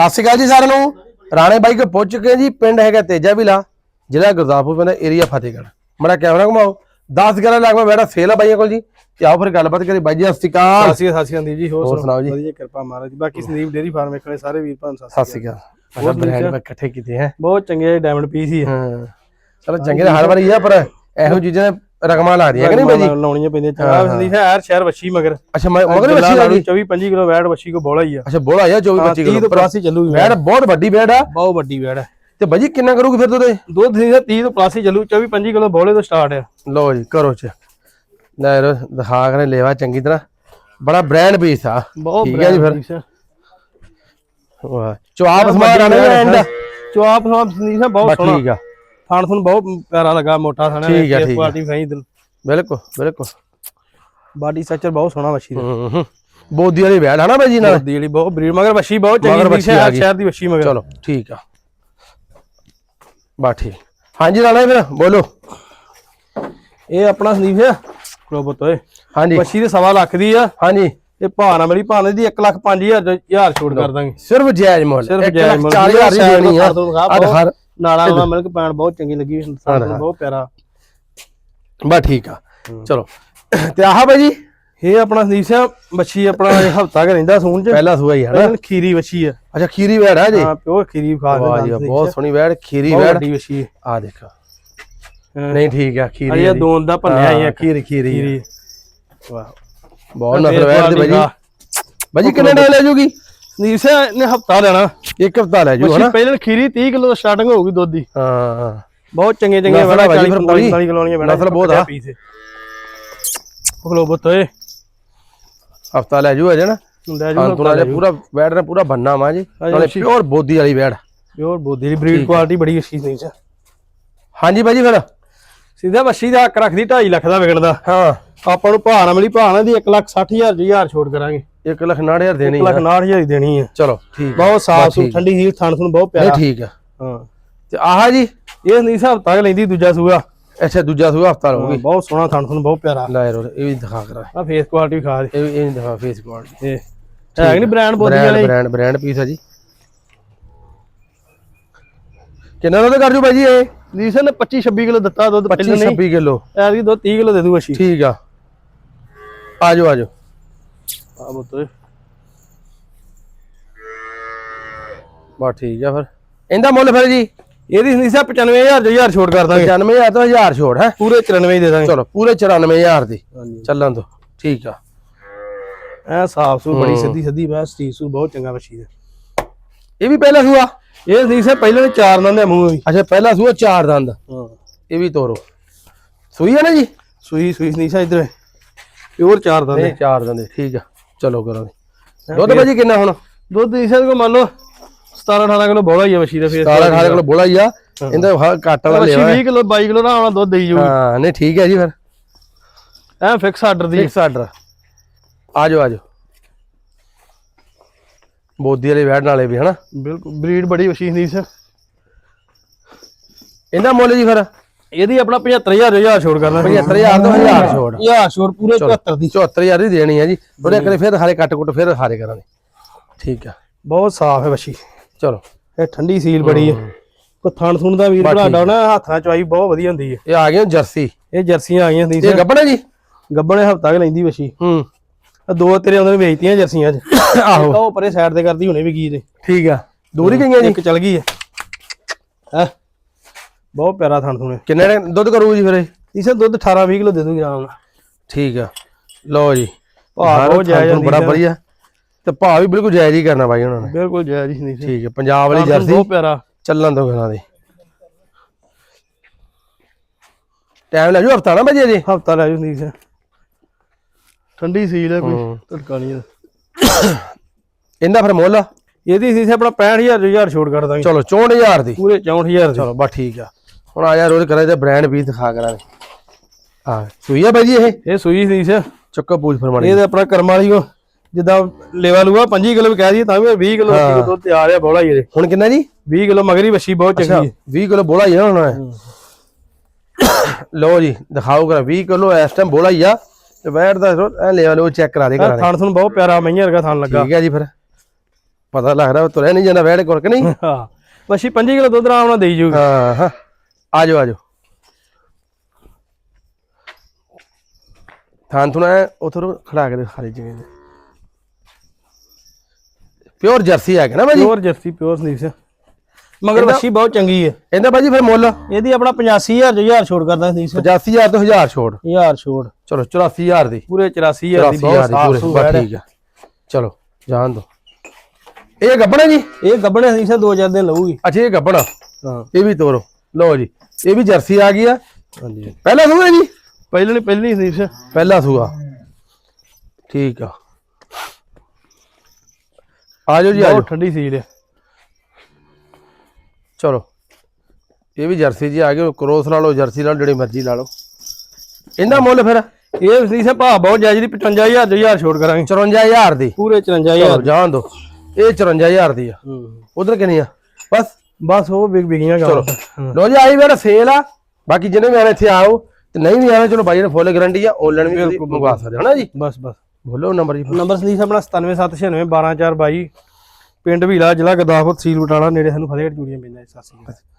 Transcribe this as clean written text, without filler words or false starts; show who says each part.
Speaker 1: ਸਤਿ ਸ਼੍ਰੀ ਅਕਾਲ ਜੀ ਸਾਰਿਆਂ ਨੂੰ। ਰਾਣੇ ਬਾਈ ਕੇ ਪਹੁੰਚ ਚੁੱਕੇ ਜੀ। ਪਿੰਡ ਹੈਗਾ ਤੇਜਾ ਵਿਲਾ, ਜ਼ਿਲ੍ਹਾ ਗੁਰਦਾਸਪੁਰ, ਪਿੰਡ ਏਰੀਆ ਫਤਿਹਗੜ੍ਹ। ਮੇਰਾ ਕੈਮਰਾ ਘੁਮਾਓ। 10-11 ਲੱਖ ਮੈਂ ਬੈਠਾ ਸੇਲ ਆ ਬਾਈਆਂ ਕੋਲ ਜੀ। ਤੇ ਆਓ ਫਿਰ ਗੱਲਬਾਤ ਕਰੀ। ਬਾਈ ਜੀ ਸਤਿ ਸ਼੍ਰੀ ਅਕਾਲ।
Speaker 2: ਸਤਿ ਸ਼੍ਰੀ ਅਕਾਲ ਜੀ। ਹੋਰ
Speaker 1: ਸੁਣਾਓ ਜੀ?
Speaker 2: ਵਧੀਆ ਕਿਰਪਾ ਮਹਾਰਾਜ ਦੀ। ਬਾਕੀ ਸੰਦੀਪ ਡੇਰੀ ਫਾਰਮ ਵੇਖਣੇ ਸਾਰੇ ਵੀਰ ਭਰਾ
Speaker 1: ਸਤਿ ਸ਼੍ਰੀ ਅਕਾਲ। ਹੋਰ ਬ੍ਰਾਂਡ ਇਕੱਠੇ ਕੀਤੇ ਹੈ,
Speaker 2: ਬਹੁਤ ਚੰਗੇ ਡਾਇਮੰਡ ਪੀਸ ਹੀ
Speaker 1: ਹਾਂ। ਚਲੋ ਚੰਗੇ ਹਰ ਵਾਰੀ ਆ, ਪਰ ਇਹੋ ਚੀਜ਼ਾਂ ਰਕਮਾਂ ਲੱਗਦੀਆਂ ਕਿ ਨਹੀਂ ਬਾਈ ਜੀ?
Speaker 2: ਲਾਉਣੀਆਂ ਪੈਂਦੀਆਂ। ਚੰਗਾ ਸੰਦੀਪ ਹੈ ਯਾਰ ਸ਼ਹਿਰ ਵੱਛੀ ਮਗਰ।
Speaker 1: ਅੱਛਾ ਮਗਰ ਵੱਛੀ ਆ ਗਈ।
Speaker 2: 24-25 ਕਿਲੋ ਵੈਟ ਵੱਛੀ ਕੋ ਬੋਲਾ ਹੀ ਆ।
Speaker 1: ਅੱਛਾ ਬੋਲਾ ਆ 24-25 ਕਿਲੋ
Speaker 2: ਪਲੱਸ ਹੀ ਚੱਲੂਗੀ।
Speaker 1: ਵੈਟ ਬਹੁਤ ਵੱਡੀ ਵੈਟ ਆ,
Speaker 2: ਬਹੁਤ ਵੱਡੀ ਵੈਟ ਹੈ।
Speaker 1: ਤੇ ਬਾਈ ਜੀ ਕਿੰਨਾ ਕਰੂਗੀ ਫਿਰ ਦੁੱਧ?
Speaker 2: ਦੁੱਧ 30 ਤੋਂ ਪਲੱਸ ਹੀ ਚੱਲੂ। 24-25 ਕਿਲੋ ਬੋਲੇ ਤੋਂ ਸਟਾਰਟ ਹੈ।
Speaker 1: ਲਓ ਜੀ ਕਰੋ ਚ ਲੈ ਦਿਖਾ ਕੇ ਲੇਵਾ ਚੰਗੀ ਤਰ੍ਹਾਂ। ਬੜਾ ਬ੍ਰਾਂਡ ਪੀਸ ਆ। ਠੀਕ ਹੈ ਜੀ। ਫਿਰ ਵਾਹ ਚੁਆਪ ਸਮਾਰ ਆਣੇ ਐਂਡ
Speaker 2: ਚੁਆਪ ਸਮਾਰ ਸੰਦੀਪ ਬਹੁਤ ਸੋਹਣਾ।
Speaker 1: ਠੀਕ ਆ।
Speaker 2: ਥਾਣ ਤੁਹਾਨੂੰ ਬਹੁਤ ਪਿਆਰਾ ਲੱਗਾ, ਮੋਟਾ ਥਾਣਾ।
Speaker 1: ਠੀਕ ਆ ਠੀਕ ਆ।
Speaker 2: ਕੁਆਲਿਟੀ ਫਾਈ ਦਿਲ
Speaker 1: ਬਿਲਕੁਲ ਬਿਲਕੁਲ।
Speaker 2: ਬਾਡੀ ਸਟਰਕਚਰ ਬਹੁਤ ਸੋਹਣਾ ਵੱਛੀ ਦਾ।
Speaker 1: ਬੋਦੀ ਵਾਲੀ ਵੈੜ ਹਨਾ ਬਾਈ ਜੀ ਨਾਲ?
Speaker 2: ਬੋਦੀ ਵਾਲੀ ਬਹੁਤ ਬਰੀਡ ਮਗਰ ਵੱਛੀ ਬਹੁਤ ਚੰਗੀ ਸ਼ਹਿਰ ਦੀ ਵੱਛੀ ਮਗਰ।
Speaker 1: ਚਲੋ ਠੀਕ ਆ ਬਾ ਠੀਕ। ਹਾਂਜੀ ਰਾਣਾ ਫਿਰ ਬੋਲੋ।
Speaker 2: ਇਹ ਆਪਣਾ ਸੰਦੀਪ ਹੈ ਕੋਬਤ ਓਏ।
Speaker 1: ਹਾਂਜੀ
Speaker 2: ਵੱਛੀ ਦੇ 1.25 ਲੱਖ ਦੀ ਆ।
Speaker 1: ਹਾਂਜੀ
Speaker 2: ਇਹ ਭਾਣਾ ਮੇਰੀ ਭਾਣੇ ਦੀ 1,05,000 ਛੋੜ ਕਰ ਦਾਂਗੇ।
Speaker 1: ਸਿਰਫ ਜਾਇਜ਼ ਮੁੱਲ।
Speaker 2: ਸਿਰਫ ਜਾਇਜ਼ ਮੁੱਲ।
Speaker 1: 40,000 ਦੀ ਦੇਣੀ ਆ।
Speaker 2: ਹਰ ਨਾਲਾ ਮਿਲਕ ਪੈਣ ਬਹੁਤ ਚੰਗੀ ਲੱਗੀ। ਬਹੁਤ ਪਿਆਰਾ
Speaker 1: ਬਾ ਠੀਕ ਆ। ਚਲੋ ਤੇ ਆਹ ਬਾਈ ਜੀ
Speaker 2: ਇਹ ਆਪਣਾ ਸੰਦੀਪ ਸਿੰਘ ਵੱਛੀ ਆਪਣਾ ਹਫਤਾ ਕੇ ਰਹਿੰਦਾ ਸੂਣ ਚ।
Speaker 1: ਪਹਿਲਾ ਸੂਆ ਹੀ ਹੈ
Speaker 2: ਖੀਰੀ ਵੱਛੀ ਆ।
Speaker 1: ਅੱਛਾ ਖੀਰੀ ਵੈੜ ਹੈ ਜੀ?
Speaker 2: ਹਾਂ ਪਿਓਰ ਖੀਰੀ ਖਾ ਕੇ।
Speaker 1: ਵਾਹ ਜੀ ਬਹੁਤ ਸੋਹਣੀ ਵੈੜ, ਖੀਰੀ ਵੈੜ
Speaker 2: ਵੱਡੀ ਵੱਛੀ
Speaker 1: ਆ ਦੇਖੋ। ਨਹੀਂ ਠੀਕ ਆ ਖੀਰੀ।
Speaker 2: ਇਹ ਦੋਨ ਦਾ ਭੰਨਿਆ ਹੀ ਆ।
Speaker 1: ਖੀਰੀ
Speaker 2: ਵਾਹ
Speaker 1: ਬਹੁਤ ਨਸਲ ਵੈੜ ਦੀ ਬਾਈ ਜੀ। ਬਾਈ ਜੀ ਕਿੰਨੇ ਟਾਈਮ ਲੈ ਜੂਗੀ?
Speaker 2: ਸੰਦੀਪ ਸਿੰਘ ਨੇ ਹਫਤਾ ਲੈਣਾ।
Speaker 1: ਇੱਕ ਹਫਤਾ ਲੈ ਜੂ ਹਨਾ?
Speaker 2: ਪਹਿਲਾਂ ਖੀਰੀ 30 ਕਿਲੋ ਸਟਾਰਟਿੰਗ ਹੋਊਗੀ ਦੁੱਧ ਦੀ।
Speaker 1: ਹਾਂ
Speaker 2: ਬਹੁਤ ਚੰਗੇ ਚੰਗੇ
Speaker 1: ਨਸਲ
Speaker 2: 40-45 ਕਿਲੋ ਵਾਲੀਆਂ
Speaker 1: ਨਸਲ ਬਹੁਤ ਆ।
Speaker 2: ਖਲੋ ਬਤੋਏ
Speaker 1: ਹਫਤਾ ਲੈ ਜੂ ਅਜੇ ਨਾ।
Speaker 2: ਲੈ ਜੂ
Speaker 1: ਪੂਰਾ ਵੈੜ ਨੇ ਪੂਰਾ ਬੰਨਾ ਵਾ ਜੀ। ਨਾਲੇ ਪਿਓਰ ਬੋਦੀ ਵਾਲੀ ਵੈੜ।
Speaker 2: ਪਿਓਰ ਬੋਦੀ ਦੀ ਬਰੀਡ ਕੁਆਲਿਟੀ ਬੜੀ ਅੱਛੀ ਨਹੀਂ ਚ।
Speaker 1: ਹਾਂਜੀ ਬਾਈ ਜੀ ਫਿਰ
Speaker 2: ਸਿੱਧਾ ਵੱਛੀ ਦਾ ਹੱਕ ਰੱਖਦੀ 2.5 ਲੱਖ ਦਾ ਵਿਕਣਦਾ।
Speaker 1: ਹਾਂ
Speaker 2: ਆਪਾਂ ਨੂੰ ਭਾਣਾ ਮਿਲੀ ਭਾਣਾ ਦੀ 1,60,000 ਛੋੜ ਕਰਾਂਗੇ।
Speaker 1: 1,60,000 ਦੇਣੀ।
Speaker 2: 1,60,000 ਹੀ ਦੇਣੀ ਹੈ।
Speaker 1: ਚਲੋ ਠੀਕ।
Speaker 2: ਬਹੁਤ ਸਾਫ ਸੁਥਰੀ ਠੰਡੀ ਸੀਲ ਥਣ ਤੁਹਾਨੂੰ ਬਹੁਤ ਪਿਆਰਾ।
Speaker 1: ਠੀਕ ਆ।
Speaker 2: ਹਾਂ
Speaker 1: ਤੇ ਆਹ ਜੀ
Speaker 2: ਇਹ ਨਹੀਂ ਹਿਸਾਬ ਤੱਕ ਲੈਂਦੀ ਦੂਜਾ ਸੂਆ।
Speaker 1: ਅੱਛਾ ਦੂਜਾ ਸੂਆ ਹਫਤਾ ਰਹੂਗੀ।
Speaker 2: ਬਹੁਤ ਸੋਹਣਾ ਥਣ ਤੁਹਾਨੂੰ ਬਹੁਤ ਪਿਆਰਾ।
Speaker 1: ਲੈ ਰੋ ਇਹ ਵੀ ਦਿਖਾ ਕਰਾ।
Speaker 2: ਆ ਫੇਸ ਕੁਆਲਿਟੀ ਵੀ ਖਾ ਦੇ।
Speaker 1: ਇਹ ਨਹੀਂ ਦਿਖਾ ਫੇਸ ਕੁਆਲਿਟੀ।
Speaker 2: ਇਹ ਹੈ ਨਹੀਂ ਬ੍ਰਾਂਡ ਬੋਦੀ ਵਾਲੇ।
Speaker 1: ਬ੍ਰਾਂਡ ਪੀਸ ਆ ਜੀ। ਕਿੰਨਾ ਦੁੱਧ ਕਰ ਜੂ ਬਾਈ ਜੀ ਇਹ?
Speaker 2: ਲੀਸਨ ਨੇ 25-26 ਕਿਲੋ ਦਿੱਤਾ ਦੁੱਧ।
Speaker 1: 25-26 ਕਿਲੋ।
Speaker 2: ਐਤਕੀ ਦੁੱਧ 30 ਕਿਲੋ ਦੇ ਦੂ ਵੱਛੀ।
Speaker 1: ਠੀਕ ਆ। ਆਜੋ ਆਜੋ
Speaker 2: ਆ ਬਤੋਏ
Speaker 1: ਬਾ ਠੀਕ ਆ। ਫਿਰ ਇਹਦਾ ਮੁੱਲ ਫਿਰ ਜੀ?
Speaker 2: ਇਹਦੀ ਨਹੀਂ ਸਾ 95,000 ਛੋੜ ਕਰ ਦਾਂਗੇ।
Speaker 1: 95,000 ਤੋਂ 1000 ਛੋੜ ਹੈ।
Speaker 2: ਪੂਰੇ 94 ਦੇ ਦਾਂਗੇ।
Speaker 1: ਚਲੋ ਪੂਰੇ 94,000 ਦੀ ਚੱਲਣ ਦੋ। ਠੀਕ ਆ।
Speaker 2: ਐ ਸਾਫ ਸੂ ਬੜੀ ਸਿੱਧੀ ਬਸ ਸਟੀਕ ਸੂ ਬਹੁਤ ਚੰਗਾ ਵੱਛੀ ਦਾ।
Speaker 1: ਇਹ ਵੀ ਪਹਿਲਾ ਸੂਆ?
Speaker 2: ਇਹ ਨਹੀਂ ਸਾ ਪਹਿਲਾਂ 4 ਦੰਦ ਦੇ ਮੂੰਹ ਵੀ।
Speaker 1: ਅੱਛਾ ਪਹਿਲਾ ਸੂਆ 4 ਦੰਦ।
Speaker 2: ਹਾਂ
Speaker 1: ਇਹ ਵੀ ਤੋਰੋ। ਸੂਈ ਹੈ ਨਾ ਜੀ?
Speaker 2: ਸੂਈ ਨਹੀਂ ਸਾ ਇਧਰ ਪਿਓਰ 4 ਦੰਦ।
Speaker 1: ਨਹੀਂ 4 ਦੰਦ। ਠੀਕ ਆ ਚਲੋ ਕਰਾਂਗੇ। ਦੁੱਧ ਭਾਜੀ ਕਿੰਨਾ ਹੁਣ?
Speaker 2: ਦੁੱਧ ਇਸ ਕੋ ਮੰਨ ਲਓ 17-18 ਕਿਲੋ ਬੋਲਾ ਹੀ ਆ ਵੱਛੀ ਦਾ। ਫੇਰ
Speaker 1: 17-18 ਕਿਲੋ ਬੋਲਾ ਹੀ ਆ। ਇਹਦਾ ਘੱਟ ਵਾਲਾ ਲਿਆ
Speaker 2: 20 ਕਿਲੋ 22 ਕਿਲੋ ਦਾ ਆਉਣਾ ਦੁੱਧ ਦੇਈ ਜੂ।
Speaker 1: ਹਾਂ ਨਹੀਂ ਠੀਕ ਹੈ ਜੀ। ਫਿਰ
Speaker 2: ਐ ਫਿਕਸ ਆਰਡਰ ਦੀ।
Speaker 1: Fix order. ਆਜੋ ਆਜੋ ਬੋਦੀ ਵਾਲੇ ਵੈੜ ਨਾਲੇ ਵੀ ਹਨਾ।
Speaker 2: ਬਿਲਕੁਲ ਬਰੀਡ ਬੜੀ ਵੱਛੀ ਹੁੰਦੀ ਸੀ।
Speaker 1: ਇਹਦਾ ਮੁੱਲ ਜੀ ਫਿਰ?
Speaker 2: ਇਹਦੀ ਆਪਣਾ 75,000 ਛੋੜ ਕਰਨਾ।
Speaker 1: 75,000 ਤੋਂ 1000 ਛੋੜ।
Speaker 2: 1000 ਛੋੜ ਪੂਰੇ 74 ਦੀ।
Speaker 1: 74,000 ਦੀ ਦੇਣੀ ਹੈ ਜੀ। ਉਹਦੇ ਕਰੇ ਫਿਰ ਹਾਰੇ ਕੱਟ ਕੁੱਟ ਫਿਰ ਹਾਰੇ ਕਰਾਂਗੇ। ਠੀਕ ਆ।
Speaker 2: ਬਹੁਤ ਸਾਫ ਹੈ ਵੱਛੀ।
Speaker 1: ਚਲੋ
Speaker 2: ਇਹ ਠੰਡੀ ਸੀਲ ਬੜੀ ਹੈ। ਕੋ ਥਣ ਥੁਣ ਦਾ ਵੀਰ ਭਰਾ ਨਾ ਹੱਥਾਂ ਚਵਾਈ ਬਹੁਤ ਵਧੀਆ ਹੁੰਦੀ ਹੈ।
Speaker 1: ਇਹ ਆ ਗਏ ਜਰਸੀ।
Speaker 2: ਇਹ ਜਰਸੀਆਂ ਆ ਗਈਆਂ ਹੁੰਦੀ ਸੀ।
Speaker 1: ਇਹ ਗੱਬਣਾ ਜੀ?
Speaker 2: ਗੱਬਣੇ ਹਫਤਾ ਕੇ ਲੈਂਦੀ ਵੱਛੀ। ਦੋ ਤੇਰੇ ਉਹਨਾਂ ਨੇ ਵੇਚਤੀਆਂ ਜਰਸੀਆਂ ਅੱਜ। ਆਹੋ ਉਹ ਪਰੇ ਸਾਈਡ ਤੇ ਕਰਦੀ ਹੁਣੇ ਵੀ ਕੀ ਨੇ।
Speaker 1: ਠੀਕ ਆ। ਦੂਰ ਹੀ ਗਈਆਂ ਜੀ?
Speaker 2: ਇੱਕ ਚਲ ਗਈ ਹੈ। ਬਹੁਤ ਪਿਆਰਾ ਥਣ ਥੁਣੇ।
Speaker 1: ਕਿੰਨੇ ਦੁੱਧ ਕਰੂ ਜੀ ਫਿਰ ਇਹ?
Speaker 2: ਇਸੇ ਦੁੱਧ 18-20 ਕਿਲੋ ਦੇ ਦੂਗੀ ਆਰਾਮ ਨਾਲ।
Speaker 1: ਠੀਕ ਆ। ਲਓ ਜੀ
Speaker 2: ਭਾਅ ਬਹੁਤ ਜਾਇਜ਼
Speaker 1: ਬੜਾ ਵਧੀਆ। ਤੇ ਭਾਅ ਵੀ ਬਿਲਕੁਲ ਜਾਇਜ਼ ਹੀ ਕਰਨਾ ਬਾਈ ਉਹਨਾਂ ਨੇ।
Speaker 2: ਬਿਲਕੁਲ ਜਾਇਜ਼ ਹੀ ਨਹੀਂ।
Speaker 1: ਠੀਕ ਹੈ। ਪੰਜਾਬ ਵਾਲੀ ਜਰਸੀ
Speaker 2: ਬਹੁਤ ਪਿਆਰਾ।
Speaker 1: ਚੱਲਣ ਦੋ ਘਰਾਂ ਦੇ। ਟਾਈਮ ਲੈ ਜੂ ਹਫਤਾ ਨਾ ਭਾਜੀ ਅਜੇ?
Speaker 2: ਹਫਤਾ ਲੈ ਜੂ ਸੀ। ਠੰਡੀ ਸੀਲ ਹੈ ਕੋਈ ਧੜਕਾ ਨਹੀਂ।
Speaker 1: ਇਹਦਾ ਫਿਰ ਮੁੱਲ?
Speaker 2: ਇਹਦੀ ਸੀ ਆਪਣਾ 65,000 ਛੋੜ ਕਰ ਦਾਂਗੇ।
Speaker 1: ਚਲੋ 64,000 ਦੀ।
Speaker 2: ਪੂਰੇ 64,000
Speaker 1: ਚਲੋ ਬਸ ਠੀਕ ਆ। ਹੁਣ ਆ ਜਾ ਰੋਜ਼ ਕਰਾਂ ਤੇ ਬ੍ਰਾਂਡ ਵੀ ਦਿਖਾ ਕਰਾਂਗੇ। ਹਾਂ ਸੂਈ ਆ ਬਾਈ ਜੀ ਇਹ?
Speaker 2: ਸੂਈ ਸੀ
Speaker 1: ਚੱਕਾ ਪੂਛ ਫਰਮਾਣੀ।
Speaker 2: ਇਹ ਆਪਣਾ ਕਰਮ ਵਾਲੀ ਕੋ ਜਿੱਦਾਂ ਲੈਵਾ ਲੂਆ 25 ਕਿਲੋ ਕਹਿ ਦਈਏ ਤਾਂ ਵੀ 20 ਕਿਲੋ ਦੁੱਧ ਤੇ ਆ ਰਿਹਾ ਬੋਲਾ ਹੀ।
Speaker 1: ਹੁਣ ਕਿੰਨਾ ਜੀ?
Speaker 2: 20 ਕਿਲੋ ਮਗਰੀ ਵੱਛੀ ਬਹੁਤ ਚੰਗੀ ਹੈ।
Speaker 1: 20 ਕਿਲੋ ਬੋਲਾ ਹੀ ਆ ਹੁਣ। ਲਓ ਜੀ ਦਿਖਾਓ ਕਰਾ 20 ਕਿਲੋ ਇਸ ਟਾਈਮ ਬੋਲਾ ਹੀ ਆ। ਤੇ ਵੈਟ ਦਾ ਐ ਲੈ ਲਓ ਚੈੱਕ ਕਰਾ ਦੇ ਕਰਾ ਦੇ।
Speaker 2: ਥਣ ਤੁਹਾਨੂੰ ਬਹੁਤ ਪਿਆਰਾ ਮਈਆਂ ਵਰਗਾ ਥਣ ਲੱਗਾ।
Speaker 1: ਠੀਕ ਹੈ ਜੀ। ਫਿਰ ਪਤਾ ਲੱਗਦਾ ਤੁਰਿਆ ਨਹੀਂ ਜਾਂਦਾ ਵੈੜ ਕੋਲ ਕਿ ਨਹੀਂ।
Speaker 2: ਹਾਂ ਵਸ਼ੀ 5 ਕਿਲੋ ਦੁੱਧ ਆਰਾਮ ਨਾਲ ਦੇਈ ਜੂਗੀ।
Speaker 1: ਹਾਂ ਹਾਂ ਆ ਜਾਓ ਥਾਂ ਤੁਨਾ ਉਥੋਂ ਖੜਾ ਕੇ ਖਾਲੀ ਜਗ੍ਹਾ ਤੇ ਪਿਓਰ ਜਰਸੀ ਹੈਗਾ ਨਾ ਭਾਜੀ।
Speaker 2: Pure jersey pure Sandeep Singh ਮਗਰ ਵਸ਼ੀ ਬਹੁਤ ਚੰਗੀ ਹੈ।
Speaker 1: ਇਹਦਾ ਭਾਜੀ ਫਿਰ ਮੁੱਲ
Speaker 2: ਇਹਦੀ ਆਪਣਾ 85000 ਜੋ 1000 ਛੋੜ ਕਰਦਾ ਸੰਦੀਪ ਸਿੰਘ।
Speaker 1: 85000 ਤੋਂ 1000 ਛੋੜ
Speaker 2: 1000 ਛੋੜ
Speaker 1: ਚਲੋ 84000 ਦੀ
Speaker 2: ਪੂਰੇ 84000 ਦੀ ਬਹੁਤ ਸਾਫ ਸੂ
Speaker 1: ਬਸ ਠੀਕ ਆ ਚਲੋ ਜਾਣ ਦੋ। ਇਹ ਗੱਬਣਾ ਜੀ
Speaker 2: ਇਹ ਗੱਬਣੇ ਸੰਦੀਪ ਸਿੰਘ 2-4 ਦਿਨ ਲਊਗੀ।
Speaker 1: ਅੱਛਾ ਇਹ ਗੱਬਣਾ
Speaker 2: ਹਾਂ
Speaker 1: ਇਹ ਵੀ ਤੋਰੋ ਲਓ ਜੀ ਇਹ ਵੀ ਜਰਸੀ ਆ ਗਈ ਆ।
Speaker 2: ਹਾਂਜੀ
Speaker 1: ਪਹਿਲਾ ਸੂਆ ਜੀ
Speaker 2: ਪਹਿਲੇ ਸੰਦੀਪ ਸਿੰਘ
Speaker 1: ਪਹਿਲਾ ਸੂਆ ਠੀਕ ਆ ਆ ਜਾਓ ਜੀ ਆ ਜਾਓ
Speaker 2: ਬਹੁਤ ਠੰਡੀ ਸੀਲ ਹੈ।
Speaker 1: ਚਲੋ ਇਹ ਵੀ ਜਰਸੀ ਜੀ ਆ ਗਏ ਕ੍ਰੋਸ ਲਾ ਲਓ ਜਰਸੀ ਲਾ ਲਓ ਜਿਹੜੀ ਮਰਜ਼ੀ ਲਾ ਲਓ। ਇਹਦਾ ਮੁੱਲ ਫਿਰ
Speaker 2: ਇਹ ਸੰਦੀਪ ਸਿੰਘ ਭਾਅ ਬਹੁਤ ਜਾਇਜ਼ ਦੀ 55000 ਜੋ 1000 ਛੋੜ ਕਰਾਂਗੇ
Speaker 1: 54000 ਦੀ
Speaker 2: ਪੂਰੇ 54000
Speaker 1: ਜਾਣ ਦੋ ਇਹ 54000 ਦੀ ਆ। ਉਧਰ ਕਿੰਨੀ ਆ
Speaker 2: ਬਸ ਉਹ ਵਿਗੀਆਂ
Speaker 1: ਚਲੋ ਲੋ ਜੀ ਆਈ ਮੇਰਾ ਸੇਲ ਆ ਬਾਕੀ ਜਿਹਨੇ ਵੀ ਆਣਾ ਇੱਥੇ ਆਓ ਤੇ ਨਹੀਂ ਵੀ ਆਣਾ ਚਲੋ ਬਾਈ ਨੇ ਫੁੱਲ ਗਾਰੰਟੀ ਆ ਆਨਲਾਈਨ ਵੀ ਤੁਸੀਂ ਮੰਗਵਾ ਸਕਦੇ ਹੋ ਨਾ ਜੀ।
Speaker 2: ਬਸ
Speaker 1: ਬੋਲੋ ਨੰਬਰ ਜੀ
Speaker 2: ਨੰਬਰ ਸੰਦੀਪ ਆਪਣਾ 97796 12422 ਪਿੰਡ ਭੀਲਾ ਜ਼ਿਲ੍ਹਾ ਗੁਰਦਾਸਪੁਰ ਤਹਿਸੀਲ ਬਟਾਲਾ ਨੇੜੇ ਸਾਨੂੰ ਫਤਿਹਗੜ੍ਹ ਚੂੜੀਆਂ ਪੈਂਦਾ। ਸਤਿ ਸ਼੍ਰੀ ਅਕਾਲ।